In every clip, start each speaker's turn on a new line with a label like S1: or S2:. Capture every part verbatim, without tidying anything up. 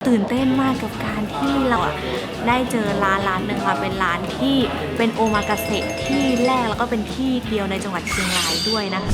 S1: ตื่นเต้นมากกับการที่เราได้เจอร้านร้านหนึ่งค่ะเป็นร้านที่เป็นโอมากาเสะที่แรกแล้วก็เป็นที่เดียวในจังหวัดเชียงรายด้วยนะคะ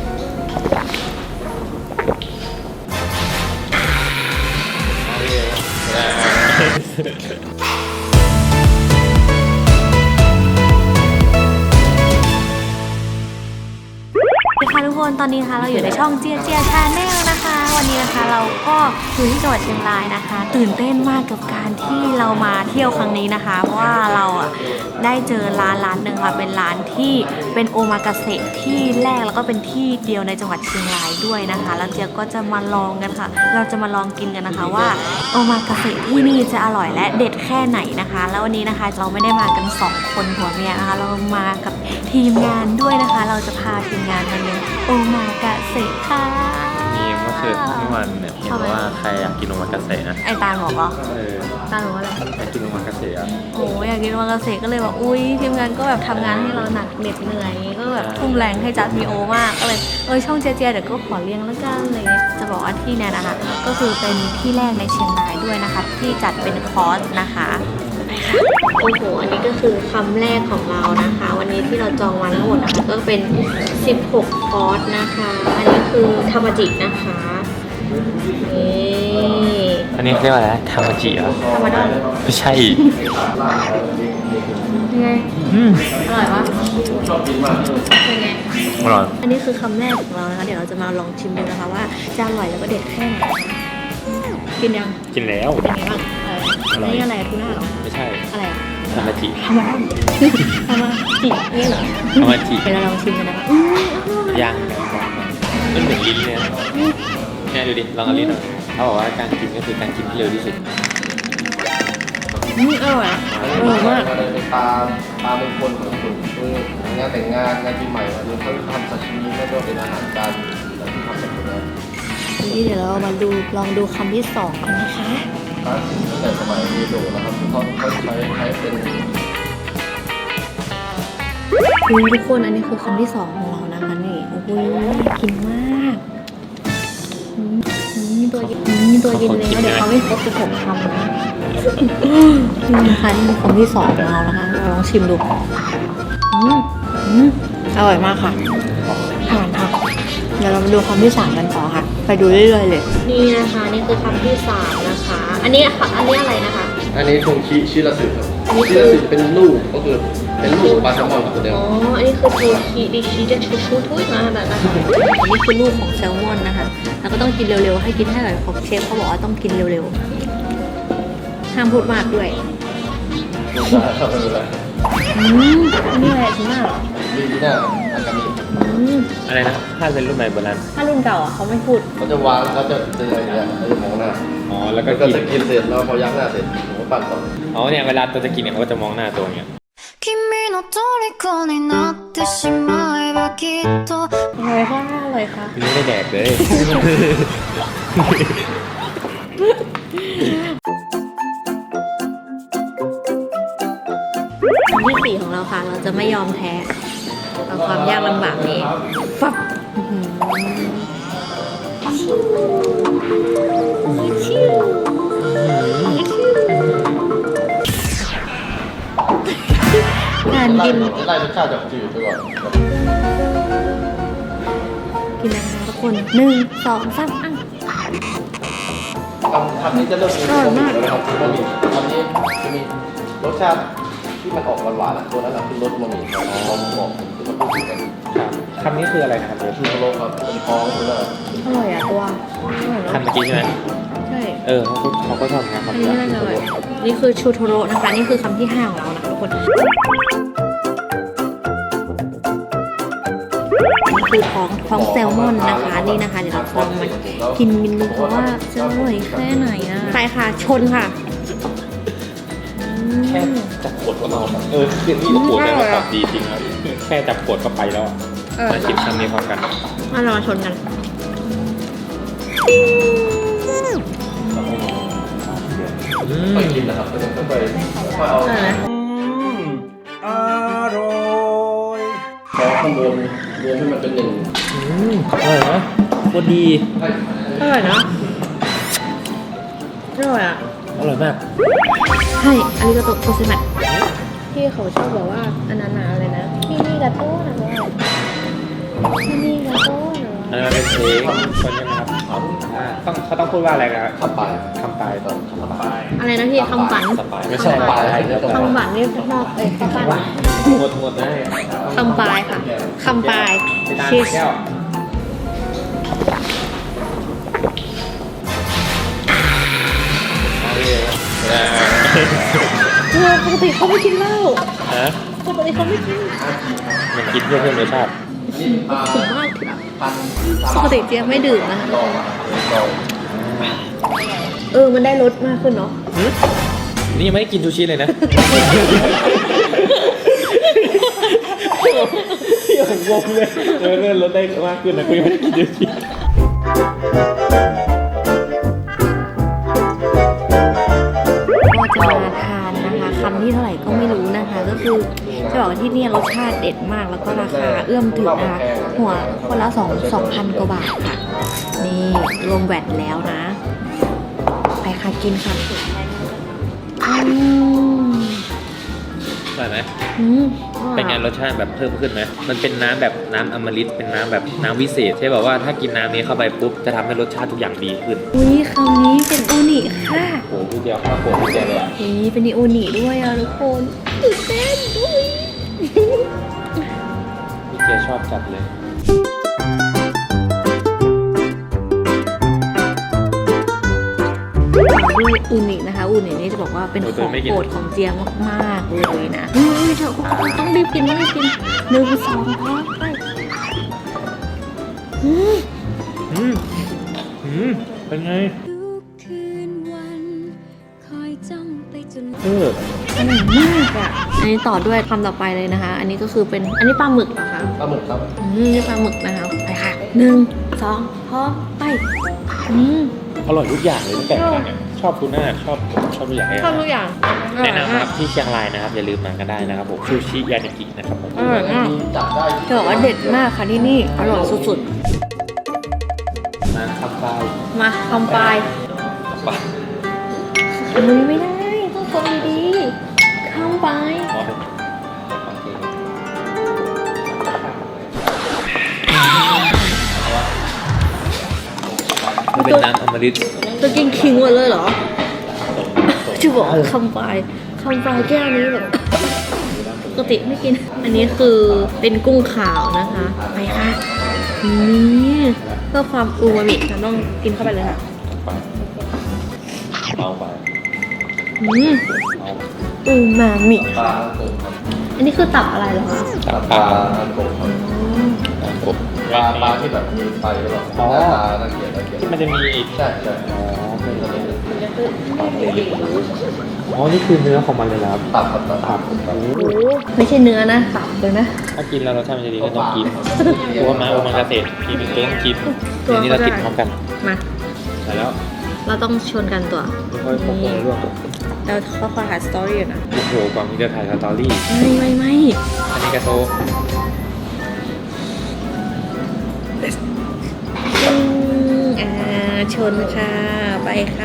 S1: ค่ะทุกคนตอนนี้ค่ะเราอยู่ในช่องเจียเจียชาแนลนะคะวันนี้นะคะเราก็อยู่ที่จังหวัดเชียงรายนะคะตื่นเต้นมากกับการที่เรามาเที่ยวครั้งนี้นะคะเพราะว่าเราอ่ะได้เจอร้านร้านหนึ่งค่ะเป็นร้านที่เป็นโอมากาเสะที่แรกแล้วก็เป็นที่เดียวในจังหวัดเชียงรายด้วยนะคะแล้วเจียก็จะมาลองกันค่ะเราจะมาลองกินกันนะคะว่าโอมากาเสะที่นี่จะอร่อยและเด็ดแค่ไหนนะคะแล้ววันนี้นะคะเราไม่ได้มากันสองคนผัวเมียนะคะเรามากับทีมงานด้วยนะคะเราจะพาทีมงานมาเลี้ยงโอมากาเสะค่ะ
S2: นี่เมื่อคืนเมื่อวันเนี่ยเห็นว่าใครอยากกินโอมากาเสะนะ
S1: ไอตาลบอกเหรอ
S2: เออ
S1: ตาลบอกว่าอะไร
S2: อยากกินโอมากาเสะอ่ะ
S1: โอ้อยากกินโอมากาเสะก็เลยบอกอุ้ยทีมงานก็แบบทำงานให้เราหนักเหน็ดเหนื่อยก็แบบทุ่มแรงให้จัดมีโอมากก็เลยเออช่องเจเจเดี๋ยวก็ขอเลี้ยงแล้วกันเลยจะบอกว่าที่เนี่ยนะคะก็คือเป็นที่แรกในเชียงรายด้วยนะคะที่จัดเป็นคอร์สนะคะโอ้โหอันนี้ก็คือคำแรกของเรานะคะวันนี้ที่เราจองวันทั้งหมดนะคะก็เป็นสิบหกคอร์สนะคะอันนี้คือทามาจินะคะนี่
S2: อันนี้เรียกว่าอะไรทามาจิเหรอ
S1: ธรรมดา
S2: ไม่ใช่
S1: ยังไง
S2: อืม
S1: อร่อยปะเป็นไง
S2: อร่อย
S1: อันนี้คือคำแรกของเรานะคะเดี๋ยวเราจะมาลองชิมดูนะคะว่าจะอร่อยแล้วก็เด็ดแค่ไหนกินยัง
S2: กินแล้ว
S1: เป็นไงบ้างเออนี่อะไรทูน่าเหรอ
S2: ไม่ใช่
S1: อะไรอ่ะ
S2: ทามาจิ
S1: ธรรมดาธรรมจินี่เหรอ
S2: ธรรมาจิ
S1: เดี๋ยวเราลองชิมกันนะคะ
S2: ย่างมันเหมือนลิ้นเนี่ยเนี่ยดูดิลองเอาลิ้นหน่อยเขาบอกว่าการกินก็คือการกินที่เร็วที่สุด
S1: อืมอร่อยอ่ะอร่อยมาก
S3: ตาตาเป็นคนของคุณคืองานแต่งงานงานปีใหม่อันนี้เขาทำซาชิมิแล้วก็เป็นอาหารจานแล้วที่ทำแบบนี้
S1: นี่เดี๋ยวเรามาดูลองดูคำที่สองกันนะคะ
S3: คลาสสิกตั้งแต่สมัยเรียนโดนะครับเขาเขาใช้ใช้เป็น
S1: คือทุกคนอันนี้คือคำที่สองของเรานะคะนี่โอ้โหกินมากนี่ตัวนี่ตัวกินเลยนะเดี๋ยวเขาไม่ครบสิบหกคำนะนี่นะคะนี่คือคำที่สองของเรานะคะเราลองชิมดูอืมอืมอร่อยมากค่ะผ่านค่ะเดี๋ยวเรามาดูคำที่สามกันต่อค่ะไปดูเรื่อยๆเลยนี่นะคะนี่คือคำที่สามนะคะอันนี้ค่ะอันนี้อะไรนะคะ
S3: อันนี้ทงชิชิราสึครับชิราสึเป็นลูกก็คือเป็นลูกปลาแซลมอนตัวเดียว
S1: อ๋ออันนี้คือโทชิดิชิจะชูชูทุยมาแบบนั้นอันนี้คือลูกของแซลมอนนะคะแล้วก็ต้องกินเร็วๆให้กินให้อร่อยของเชฟเขาบอกว่าต้องกินเร็วๆห้ามพูดมากด้วยอืมอันนี้อะไรถึงมาก
S3: นี่นี่น่ะอากามิ
S2: อะไรนะถ้าเป็นรุ่นใหม่โบราณ
S1: ถ้ารุ่นเก่าอ่ะเขาไม่พูด
S3: เขาจะวางเขาจะเตือนอย่างเงี้ยเขาจะมองหน้า
S2: อ๋อแล้วก็
S3: จะกินเสร็จแล้วพอยักหน้าเสร็จผมก็ปั่นต่อ
S2: อ๋อเนี่ยเวลาตัวจะกินเนี่ยเขาก็จะมองหน้าตัวอย่างเงี้ย
S1: อะไรค่ะอะไรค่ะ
S2: ไม่ได้แดกเลย
S1: ที่สี่ของเราค่ะเราจะไม่ยอมแพ้ต่อความยากลำบากนี้ปั๊บการกิน
S3: ไล่รสชาติจากจืดไปก่อน
S1: กินนะคะทุกคนหนึ่งสองสามอัน
S3: ทำทำนี้จะเริ่มมีรสมากนะครับคือมันมีทำนี้จะมีรสชาติที่มันออกหวานๆตัวนั้นแหละคือรสมะหมี่ของของของที่มันพูดกัน
S2: คำนี้คืออะไรนะครับ
S3: ชูโรครับเป็นท้องคืออะไร
S1: อร่อยอ่ะตัว
S2: คำเมื่อกี้ใช่ไหม
S1: ใช่
S2: เออเขาเขาก็ชอบนะครับ
S1: นี่น่าจะอร่อยนี่คือชูโทโร่นะคะนี่คือคำที่ห้าของเรานะคะทุกคนคือท้องท้องแซลมอนนะคะนี่นะคะเดี๋ยวเราลองมากินมินดูเพราะว่าจะอร่อยแค่ไหนนะไปค่ะชนค่ะ
S2: แค่จับขวดก็เมาเออคือนี่ขวดเนี่ยมันดีจริงครับแค่จับขวดก็ไปแล้วมาชิมคำนี้พร้อมกัน
S1: มาเรามาชนกัน
S3: ไปกินนะครับไปต้องไปค่อยเอาอร่อยขอข้างบนรวมให้มันเป็นหนึ่ง
S2: อร่อยนะโคตรดี
S1: อร่อยนะอร่อยอ่ะ
S2: อร่อยมาก
S1: ใช่อันนี้ก็โตโตซิมัดพี่เขาชอบบอกว่าอันนั้นนะอะไรนะที่นี่กาโต้นะว่าที่นี่กาโต้นะ
S2: อันนั้นเป็นเพลงคนใช่ไหมครับอ่าต้องเขาต้องพูดว่าอะไรนะครับ
S3: คำปลาย
S2: คำปลายตอน
S3: คำปลาย
S1: อะไรนะพี่คำฝัน
S2: คำปลาย
S3: ไม่ใช่ปลายอะไรตรง
S1: คำฝันนี่ข้างนอกเอ้ยคำฝัน
S2: หมดหมดได้
S1: คำปลายค่ะคำปลาย
S2: ไปตาม
S1: ชีส
S2: แก้วเอาเลยนะ
S1: เออปกติเขาไม่กินเหล้า
S2: ฮะ
S1: ปกติเขาไม่กิน
S2: มันกินเพื่อเพิ่มรสชาติ
S1: ผมว่าปกติเจี๊ยบไม่ดื่มนะคะเออมันได้รสมากขึ้นเนาะ
S2: หืมนี่ยังไม่ได้กินซูชิเลยนะยังงงเลยเออเลื่อนรสได้มากขึ้นนะกูยังไม่ได้กินซูชิ
S1: ก็จะมาทานนะคะคำที่เท่าไหร่ก็ไม่รู้นะคะ ก็คือจะบอกว่าที่นี่รสชาติเด็ดมากแล้วก็ราคาเอื้อมถึงนะคะหัวคนละสองสองพันกว่าบาทค่ะ นี่รวมแวดแล้วนะ ไปค่ะกินค่ะอืม
S2: อร่อยไหม
S1: อืม
S2: เป็นไงรสชาติแบบเพิ่มขึ้นไหมมันเป็นน้ำแบบน้ำอมฤตเป็นน้ำแบบน้ำวิเศษใช่แบบว่าถ้ากินน้ำนี้เข้าไปปุ๊บจะทำให้รสชาติทุกอย่างดีขึ้น
S1: อุ้ยคำนี้เป็นอูนิค่ะ
S2: โอ้โหพี่เดียวข้าวโพดพี่เดียวเลยอะ
S1: นี่เป็นอูนิด้วยอ่ะทุกคนตื่นเต้นอุ้ย
S2: พี่เดียวชอบจัดเลย
S1: ด้วยอูนินะคะอูนินี่จะบอกว่าเป็นของโปรดของเจียมากๆเลยนะเฮ้ยเธอต้องรีบกินต้องรีบกินหนึ่งสองพร้อมไปอืม
S2: อืมอืมเป็นไง
S4: ทุกคืนวันคอยจ้องไปจน
S2: เออ
S1: อร่อยมากอ่ะอันนี้ต่อด้วยคำต่อไปเลยนะคะ อันนี้ก็คือเป็นอันนี้ปลาหมึกเหรอคะ
S3: ปลาหมึกครับ
S1: อืมนี่ปลาหมึกนะคะไปค่ะหนึ่งสองพร้อมไปอืม
S2: อร่อยทุกอย่างเลยตั้งแต่ทานเนี่ยชอบทูน่าชอบชอบทุกอย่างเลย
S1: ชอบทุกอย่าง
S2: แนะนำนะครับที่เชียงรายนะครับอย่าลืมมากันได้นะครับผมซูชิยานิกินะครับผม
S1: อร่อยมาก
S3: จับได้
S1: จะบอกว่าเด็ดมากค่ะที่นี่อร่อยสุด
S2: มาคำปลาย
S1: ๆมาคำปลาย
S2: ปลาย
S1: อุ้ยไม่ได้ต้องคนดีๆคำปลาย
S2: อ๋อโอเคมันเป็นน้ำอมฤต
S1: จะกินคิงหมดเลยเหรอจะบอกว่าคำปลายคำปลายแก้วนี้แบบปกติไม่กิน อันนี้คือเป็นกุ้งขาวนะคะไปค่ะนี่เพื่อความอูมามิเราต้องกินเข้าไปเลยค่ะ
S2: ไปเอาไป
S1: อืมอูมามิ
S3: ปลาโกบครับ
S1: อันนี้คือตับอะไรเหรอคะ
S2: ตับ
S3: ป
S2: ป
S3: ลา
S2: ลา
S3: โกบครับ
S2: ตับกบ
S3: ปลาปลาที่แบบมีไฟหรือเปล่า
S2: อ๋อ
S3: ปลาตะเกียบตะเกียบ
S2: ที่มันจะมี
S3: ใช่ใช่
S2: อ๋อเป็นอะไรอ๋อ นี่คือเนื้อของมันเลยครับ
S3: ตับครับตับตับตับ
S1: โอ้ไม่ใช่เนื้อนะตับเลยนะ
S2: ถ้ากินแล้วรสชาติมันจะดีก็ต้องกินตัวมาโอมังกาเสะกินก็ต้องกินเดี๋ยวนี้เรากินพร้อมกัน
S1: มา
S2: ใช่แล้ว
S1: เราต้องชวนกันตัว
S2: ค่อยๆปรุงเลยร่วง
S1: เราเขาคอยหาสตอรี่อยู่นะ
S2: โอ้โหกว่ามีจะถ่ายสตอรี่
S1: ไม่ไม่ไม่
S2: อันนี้กระโซ
S1: อืมอ่าชนค่ะ ไปค่ะ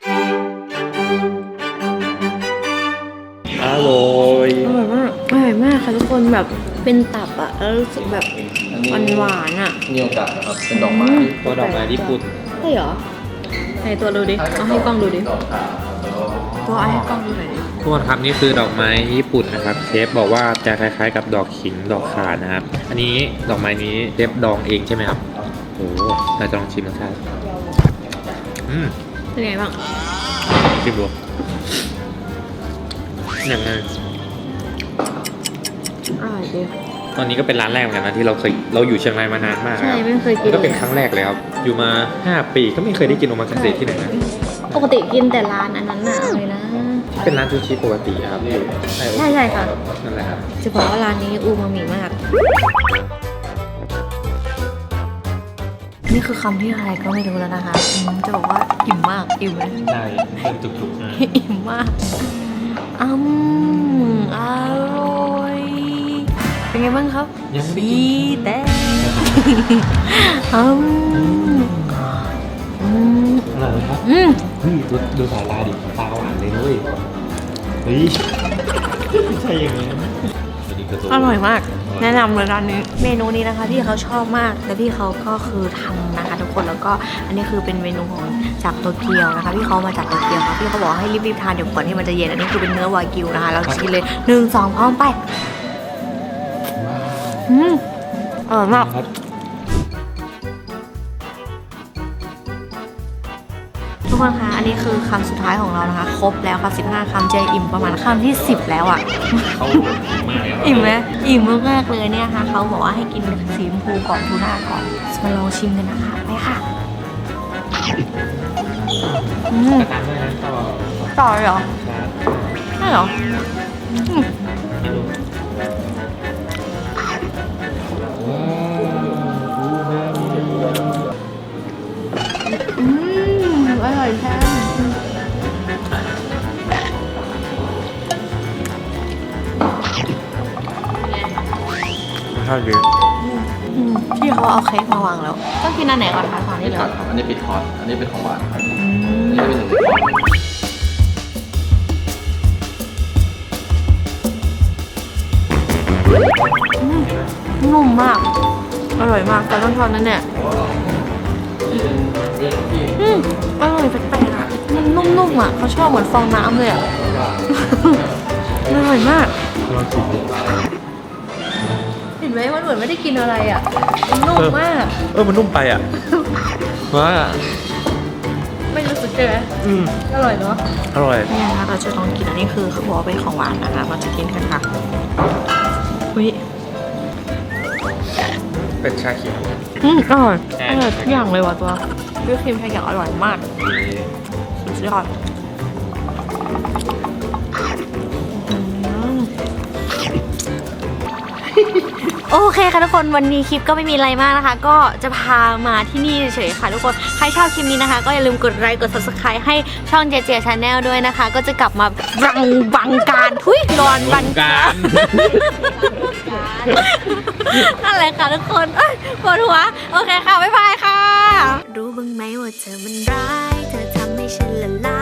S2: อร่อย
S1: อร่อยมากอร่อยมากค่ะทุกคนแบบเป็นตับอะแล้วรู้สึกแบบหวานหวานๆอะ
S3: เนียวกัดนะครับเป็นดอกไม้
S2: ตัวดอกไม้ญี่ปุ่น
S1: ใช่เหรอไหนตัวดูดิเอาให้กล้องดูดิ
S3: ดอกขาวแล้วก็
S1: ตัวเอาให้กล้องดูหน่อยดิ
S2: ทุกคนครับนี่คือดอกไม้ญี่ปุ่นนะครับเชฟบอกว่าจะคล้ายๆกับดอกขิงดอกข่านะครับ อันนี้ดอกไม้นี้เชฟดองเองใช่ไหมครับโอ้โหเราจะลองชิมรสชาติอืม
S1: เป็นไงบ้าง
S2: ชิมดูอย่างไง
S1: อร่อยดิ
S2: ตอนนี้ก็เป็นร้านแรกเหมือนกันนะที่เราเคยเราอยู่เชียงรายมานานมาก
S1: ใช่
S2: ครับ
S1: ไม่เคยกิน
S2: ก็เป็นครั้งแรกเลยครับอยู่มาห้าปีก็ไม่เคยได้กินโอมากาเสะที่ไหนนะ
S1: ปกติกินแต่ร้านอันนั้นน่ะอะไรนะ
S2: เป็นร้านซูชิปกติครับ
S1: ใช่ใช่ค่ะ
S2: นั่นแหละครับ
S1: จะบอกว่าร้านนี้อูมามิมาก นี่คือคำที่อะไรก็ไม่รู้แล้วนะคะอืมจะบอกว่าอิ่มมากอิ่มเลย
S2: ใช่เป็นจุกๆนะ
S1: อิ่มมากอืมอร่อยเป็นไงบ้างครับ
S2: ยังไม่ได้
S1: ดี
S2: กิน
S1: แต่อืมอืม
S2: อร่อยไหมครับ
S1: อืม
S2: เฮ้ยดูดูสายลายดิตาหวานเลยด้วยเฮ้ยไม่ใช่อย่างนี้อันนี้คือตัว
S1: อร่อยมาก แนะนำเลยร้านนี้ เมนูนี้นะคะพี่เขาชอบมากและพี่เขาก็คือทำนะคะทุกคนแล้วก็อันนี้คือเป็นเมนูของจากโตเกียวนะคะพี่เขามาจากโตเกียวค่ะพี่เขาบอกให้รีบๆทานเดี๋ยวก่อนที่มันจะเย็นอันนี้คือเป็นเนื้อวากิวนะคะเราชิมเลยหนึ่งสองพร้อมไปอืมอร่อยมาก
S2: ครับ
S1: ทุกคนคะอันนี้คือคำสุดท้ายของเรานะคะครบแล้วค่ะสิบห้าคำเจอิ่มประมาณคำที่สิบแล้วอ่ะ
S2: เขามากเลย
S1: อิ่มไหมอิ่มมากๆเลยเนี่ยค่ะเขาบอกว่าให้กินสีชมพูก่อนทูน่าก่อนมาลองชิมกันนะคะไปค่ะอืม
S2: กระตันด้วยนะต่อ
S1: ต่อเลยเหรอ
S2: ครับ
S1: ใช่เหรออืม
S2: ไม่รู้ว้าว
S1: อืมอร่อยแท้
S2: ข้าวเยอะ
S1: อืมพี่เขาเอาเค้กมาวางแล้วต้องกินอันไหนก่อนคะตอนนี้
S3: นี่
S1: เหร
S3: ครั
S1: อบ
S3: อันนี้ปิดคอร์สอันนี้เป็นของหวานครับ
S1: อืม
S3: อันนี้เป็นหนึ่งในคอร์ส
S1: นุ่มมาก อร่อยมากแต่ต้องทอนนั่นเนี่ยอืมอร่อยแปลกๆอ่ะมันนุ่มๆอ่ะเขาชอบเหมือนฟองน้ำเลยอ่ะ อร่อยมาก
S2: ลองชิมดิ
S1: เห็นไหมมันเหมือนไม่ได้กินอะไรอ่ะมันนุ่มมาก
S2: เออมันนุ่มไปอ่ะว้า
S1: ไม่รู้สึกใช่ไหม
S2: อืม
S1: อร่อยเนาะ
S2: อร่อย
S1: เนี่ยนะคะเราจะลองกินอันนี้คือเขาบอกว่าเป็นของหวานนะคะเราจะกินกันค่ะอุ้ย
S2: เป็นชาเขียว
S1: อืมอร่อย
S2: ใช่
S1: อร่อยทุกอย่างเลยว่ะตัววิปครีมแพงอย่างอร่อยมากสุดยอดอืม โอเคค่ะทุกคนวันนี้คลิปก็ไม่มีอะไรมากนะคะ ก็จะพามาที่นี่เฉยๆค่ะทุกคนใครชอบคลิปนี้นะคะ ก็อย่าลืมกดไลค์กด ซับสไครบ์ ให้ช่องเจเจชาแนลด้วยนะคะ ก็จะกลับมาบังบังการทุยรอนบังการ นั่นแหละค่ะทุกคนเอ้ยปวดหัวโอเคค่ะบ๊ายบายค่ะ รู้บ้างไหมว่าเธอมันร้ายเธอทำให้ฉันละลาย